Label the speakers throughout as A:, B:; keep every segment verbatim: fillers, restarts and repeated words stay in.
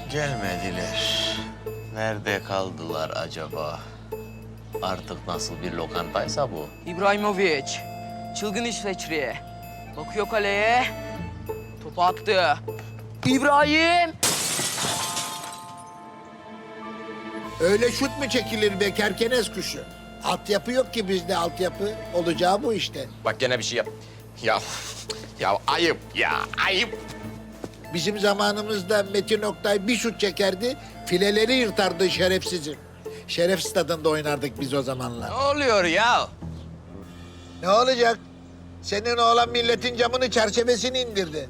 A: Gelmediler. Nerede kaldılar acaba? Artık nasıl bir lokantaysa bu.
B: İbrahimovic, çılgın İsveçli. Bakıyor kaleye, topu attı. İbrahim!
C: Öyle şut mu çekilir be kerkenes kuşu? Altyapı yok ki bizde altyapı. Olacağı bu işte.
D: Bak gene bir şey yap. Ya, ya ayıp ya, ayıp.
C: Bizim zamanımızda Metin Oktay bir şut çekerdi, fileleri yırtardı şerefsizim. Şeref stadında oynardık biz o zamanlar.
A: Ne oluyor ya?
C: Ne olacak? Senin oğlan milletin camını, çerçevesini indirdi.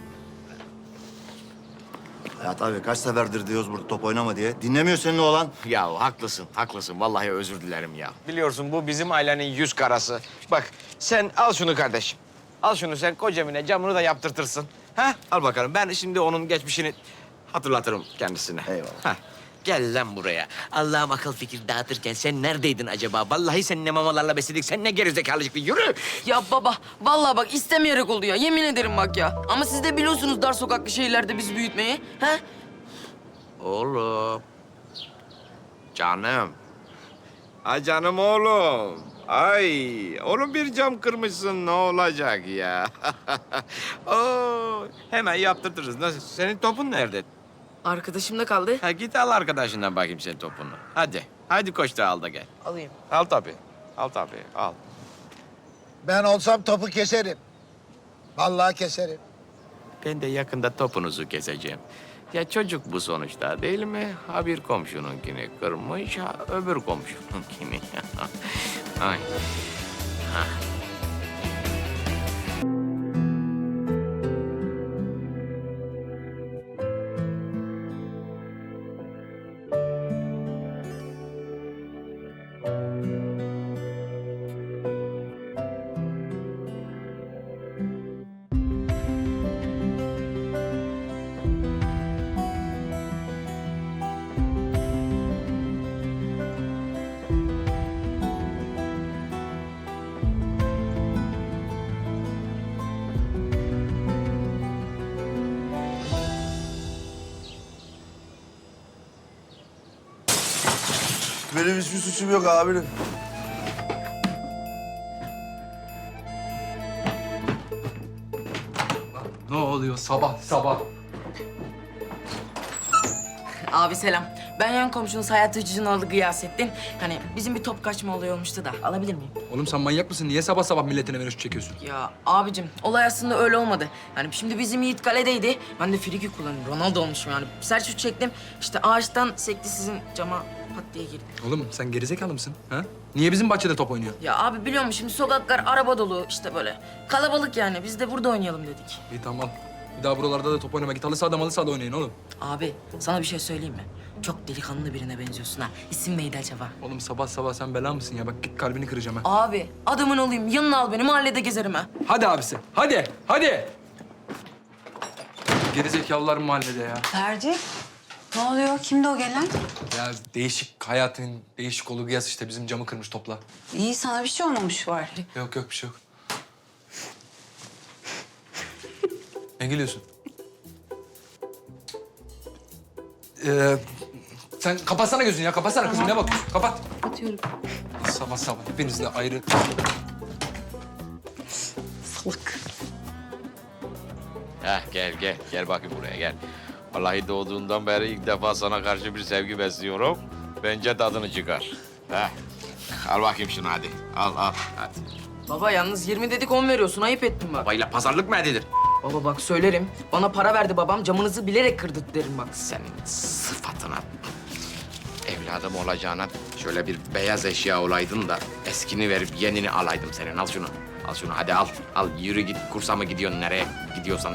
E: Hayat abi kaç seferdir diyoruz burada top oynama diye. Dinlemiyor senin oğlan.
D: Ya haklısın, haklısın. Vallahi özür dilerim ya. Biliyorsun bu bizim ailenin yüz karası. Bak sen al şunu kardeşim. Al şunu sen kocamine camını da yaptırtırsın. Ha? Al bakalım. Ben şimdi onun geçmişini hatırlatırım kendisine.
E: Eyvallah.
D: Ha.
A: Gel lan buraya. Allah'ım akıl fikir dağıtırken sen neredeydin acaba? Vallahi sen ne mamalarla besledik, sen ne gerizekalıcık. Yürü!
B: Ya baba, vallahi bak istemeyerek oldu ya. Yemin ederim bak ya. Ama siz de biliyorsunuz dar sokaklı şehirlerde bizi büyütmeyi. He?
D: Oğlum. Canım. Ay canım oğlum. Ay, oğlum bir cam kırmışsın ne olacak ya? Oo, hemen yaptırtırız. Nasıl? Senin topun nerede?
B: Arkadaşımda kaldı.
D: Ha, git al arkadaşından bakayım sen topunu. Hadi. Hadi koş da al da gel.
B: Alayım.
D: Al tabii. Al tabii. Al.
C: Ben olsam topu keserim. Vallahi keserim.
D: Ben de yakında topunuzu keseceğim. Ya çocuk bu sonuçta değil mi? Ha bir komşununkini kırmış, ha öbür komşununkini. Ay. Ha.
E: Benim hiçbir suçum yok abinin.
F: Ne oluyor sabah sabah?
B: Abi selam. Ben yan komşunuz Hayat Hıcı'nın oğlu Gıyasettin. Hani bizim bir top kaçma olayı olmuştu da. Alabilir miyim?
F: Oğlum sen manyak mısın? Niye sabah sabah milletin evine şut çekiyorsun?
B: Ya abicim olay aslında öyle olmadı. Yani şimdi bizim Yiğit kaledeydi. Ben de friki kullanıyorum. Ronaldo olmuşum yani. Sert şut çektim. İşte ağaçtan sekti sizin cama pat diye girdi.
F: Oğlum sen gerizekalı mısın? Ha? Niye bizim bahçede top oynuyor?
B: Ya abi biliyor musun şimdi sokaklar araba dolu işte böyle. Kalabalık yani. Biz de burada oynayalım dedik.
F: İyi tamam. Bir daha buralarda da top oynama. Git halı sahada malı sahada oynayın oğlum.
B: Abi sana bir şey söyleyeyim mi? Çok delikanlı birine benziyorsun ha. İsim neydi acaba?
F: Oğlum sabah sabah sen bela mısın ya? Bak git kalbini kıracağım ha.
B: Abi adamın olayım. Yanına al beni. Mahallede gezerim ha.
F: Hadi abisi. Hadi. Hadi. Gerizekalılar mahallede ya.
G: Ferdi, ne oluyor? Kimdi o gelen?
F: Ya değişik hayatın değişik olu Gıyas işte bizim camı kırmış topla.
G: İyi, sana bir şey olmamış var.
F: Yok yok bir şey yok. Ne gülüyorsun? Ee, sen kapatsana gözünü ya. Kapatsana kızım. Ne bakıyorsun? Kapat.
G: Atıyorum.
F: Sabah sabah hepiniz de ayrı.
G: Salak.
D: Heh, gel gel. Gel bakayım buraya gel. Vallahi doğduğundan beri ilk defa sana karşı bir sevgi besliyorum. Bence tadını çıkar. Heh. Al bakayım şunu hadi. Al al hadi.
B: Baba yalnız yirmi dedik on veriyorsun. Ayıp ettin bak.
D: Babayla pazarlık mı edilir?
B: Baba bak söylerim. Bana para verdi babam. Camınızı bilerek kırdı derim bak.
D: Senin sıfatına, evladım olacağına şöyle bir beyaz eşya olaydın da eskini verip yenini alaydım senin. Al şunu, al şunu. Hadi al, al. Yürü git. Kursa mı gidiyorsun? Nereye gidiyorsan.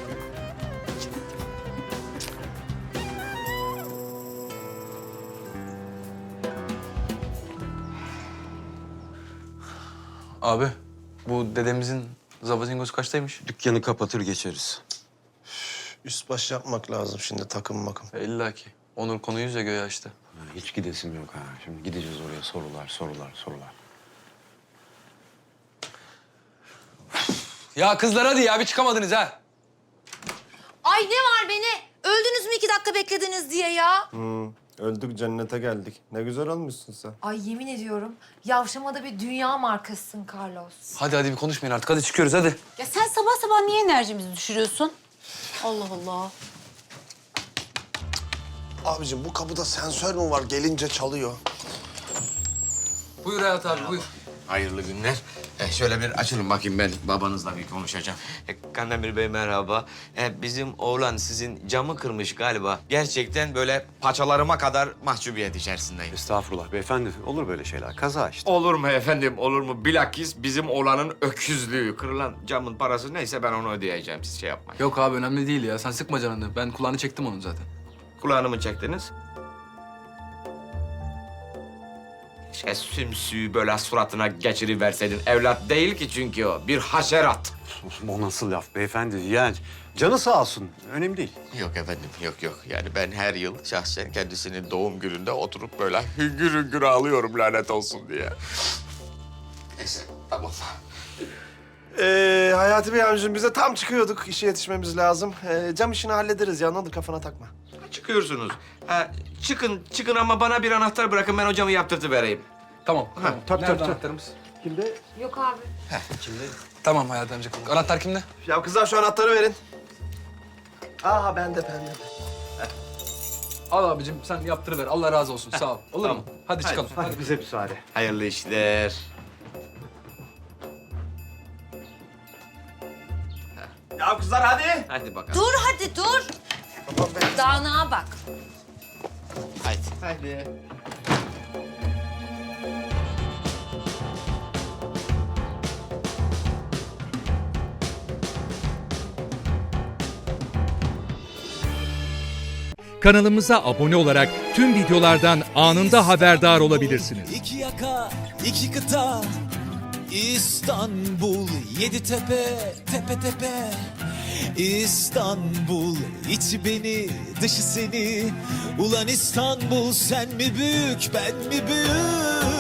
F: Abi bu dedemizin zavazingosu kaçtaymış?
H: Dükkanı kapatır geçeriz.
I: Üst baş yapmak lazım şimdi takım makım.
F: E, İlla ki. Onur konuyu yüze göğe açtı.
H: Ha, hiç gidesim yok ha. Şimdi gideceğiz oraya sorular, sorular, sorular.
F: Ya kızlar hadi ya bir çıkamadınız ha.
J: Ay ne var beni öldünüz mü iki dakika beklediniz diye ya?
I: Hı, öldük cennete geldik. Ne güzel olmuşsun sen.
J: Ay yemin ediyorum yavşamada bir dünya markasısın Carlos.
F: Hadi hadi bir konuşmayın artık. Hadi çıkıyoruz hadi.
G: Ya sen sabah sabah niye enerjimizi düşürüyorsun? Allah Allah.
I: Abicim bu kapıda sensör mü var? Gelince çalıyor.
F: Buyur Hayat abi buyur.
D: Hayırlı günler. E, şöyle bir açılın bakayım, ben babanızla bir konuşacağım. E, Kandemir Bey merhaba. E, bizim oğlan sizin camı kırmış galiba. Gerçekten böyle paçalarıma kadar mahcubiyet içerisindeyim.
H: Estağfurullah beyefendi. Olur böyle şeyler. Kaza işte.
D: Olur mu efendim, olur mu? Bilakis bizim oğlanın öküzlüğü. Kırılan camın parası neyse ben onu ödeyeceğim. Siz şey yapmayın.
F: Yok abi önemli değil ya. Sen sıkma canını. Ben kulağını çektim onun zaten.
D: Kulağını mı çektiniz? Şey, sümsüğü böyle suratına geçiriverseydin. Evlat değil ki çünkü o. Bir haşerat.
H: O nasıl laf beyefendi? Yani canı sağ olsun. Önemli değil.
D: Yok efendim, yok yok. Yani ben her yıl şahsen kendisinin doğum gününde oturup böyle hüngür hüngür ağlıyorum lanet olsun diye. Neyse, tamam.
I: Ee, Hayati Bey amcim bize tam çıkıyorduk. İşe yetişmemiz lazım. Ee, cam işini hallederiz ya. Ne olur kafana takma.
D: Çıkıyorsunuz. Ha, çıkın, çıkın ama bana bir anahtar bırakın. Ben hocamı yaptırtıvereyim.
F: Tamam. tamam.
I: tabii,
F: Nerede
I: tabii, tabii.
F: anahtarımız?
J: Yok abi.
F: Tamam Hayat amca. Anahtar kimde?
I: Ya kızlar şu anahtarı verin. Aha bende bende.
F: Al abicim sen yaptırıver. Allah razı olsun. Sağ ol. Olur mu? Hadi çıkalım. Hadi.
H: Bize müsaade.
D: Hayırlı işler.
I: Ya kızlar hadi.
D: Hadi bakalım.
J: Dur hadi dur. Dağınığa bak.
D: Haydi. Haydi.
K: Kanalımıza abone olarak tüm videolardan anında haberdar olabilirsiniz.
L: İki yaka, iki kıta, İstanbul, yedi tepe, tepe tepe. İstanbul, içi beni, dışı seni. Ulan İstanbul, sen mi büyük, ben mi büyük?